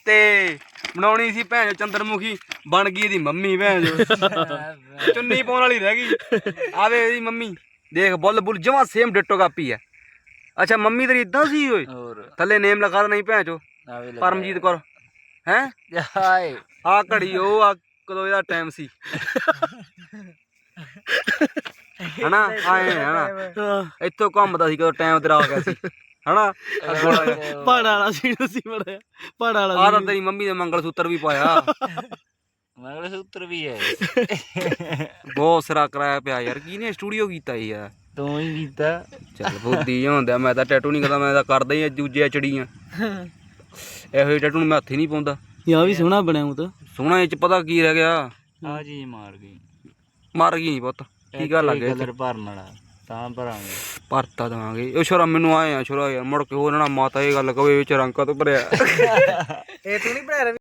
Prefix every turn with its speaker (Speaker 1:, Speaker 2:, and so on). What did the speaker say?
Speaker 1: ਤੇ ਬਣਾਉਣੀ ਸੀ ਭੈਣ ਚੰਦਰਮੁਖੀ, ਬਣ ਗਈ ਇਹਦੀ ਮੰਮੀ ਭੈਣ ਚੁੰਨੀ ਪਾਉਣ ਵਾਲੀ ਰਹਿ ਗਈ। ਆਵੇ ਇਹਦੀ ਮੰਮੀ ਦੇਖ, ਬੁੱਲ ਬੁੱਲ ਜਮਾ ਸੇਮ ਡਿੱਟੋ ਕਾਪੀ ਆ। ਅੱਛਾ ਮੰਮੀ ਤੇਰੀ ਇਦਾਂ ਸੀ ਓਏ? ਥੱਲੇ ਨੇਮ ਲਿਖਾ ਦੇਣਾ ਸੀ ਭੈਣ ਚੋ, ਪਰਮਜੀਤ ਕੌਰ ਹੈ। ਆ ਘੜੀ ਉਹ ਆ ਕਦੋਂ ਇਹਦਾ ਟਾਈਮ ਸੀ ਹਨਾ, ਆਏ ਹਨਾ ਇੱਥੋਂ ਘੁੰਮਦਾ ਸੀ ਕਦੋਂ ਟਾਈਮ ਤੇਰਾ ਆ ਗਿਆ ਸੀ ਹਨਾ।
Speaker 2: ਪਹਾੜਾ ਵਾਲਾ ਸੀਨ ਸੀ ਬੜਾ, ਪਹਾੜਾ ਵਾਲਾ।
Speaker 1: ਆ ਤਾਂ ਤੇਰੀ ਮੰਮੀ ਦੇ ਮੰਗਲ ਸੂਤਰ ਵੀ ਪਾਇਆ,
Speaker 3: ਮੰਗਲ ਸੂਤਰ ਵੀ ਹੈ।
Speaker 1: ਬਹੁਤ ਸਿਰਾ ਕਰਾਇਆ ਪਿਆ ਯਾਰ। ਕਿਹਨੇ ਸਟੂਡੀਓ ਕੀਤਾ ਯਾਰ?
Speaker 3: ਤੂੰ ਹੀ ਕੀਤਾ।
Speaker 1: ਚੱਲ ਬੁੱਧੀ ਹੁੰਦਾ, ਮੈਂ ਤਾਂ ਟੈਟੂ ਨਹੀਂ ਕਰਦਾ, ਮੈਂ ਤਾਂ ਕਰਦਾ ਹੀ ਦੂਜੇ ਚੜੀਆਂ। ਇਹੋ ਜਿਹੇ ਟੈਟੂ ਨੂੰ ਮੈਂ ਹੱਥ ਹੀ ਨਹੀਂ ਪਾਉਂਦਾ।
Speaker 2: ਯਾ ਵੀ ਸੋਹਣਾ ਬਣਿਆ ਉਹ ਤਾਂ।
Speaker 1: ਸੋਹਣਾ ਇਹ ਚ ਪਤਾ ਕੀ ਰਹਿ ਗਿਆ?
Speaker 3: ਆ ਜੀ ਮਾਰ ਗਈ,
Speaker 1: ਮਰ ਗਈ ਨੀ ਪੁੱਤ, ਕੀ ਗੱਲ ਲੱਗ
Speaker 3: ਕਲਰ ਭਰਨ ਵਾਲਾ ਤਾਂ ਭਰਾਂਗੇ।
Speaker 1: ਭਰਤਾ ਦੇਵਾਂਗੇ। ਉਹ ਛੋਰਾ ਮੈਨੂੰ ਆਏ ਆ ਛੋਰਾ ਯਾਰ, ਮੁੜ ਕੇ ਹੋਰ ਨਾ ਮਾਤਾ ਇਹ ਗੱਲ ਕਵੇ ਵਿੱਚ ਰੰਗ ਤੋਂ ਭਰਿਆ।
Speaker 2: ਇਹ ਤੂੰ ਨਹੀਂ ਭਰਿਆ?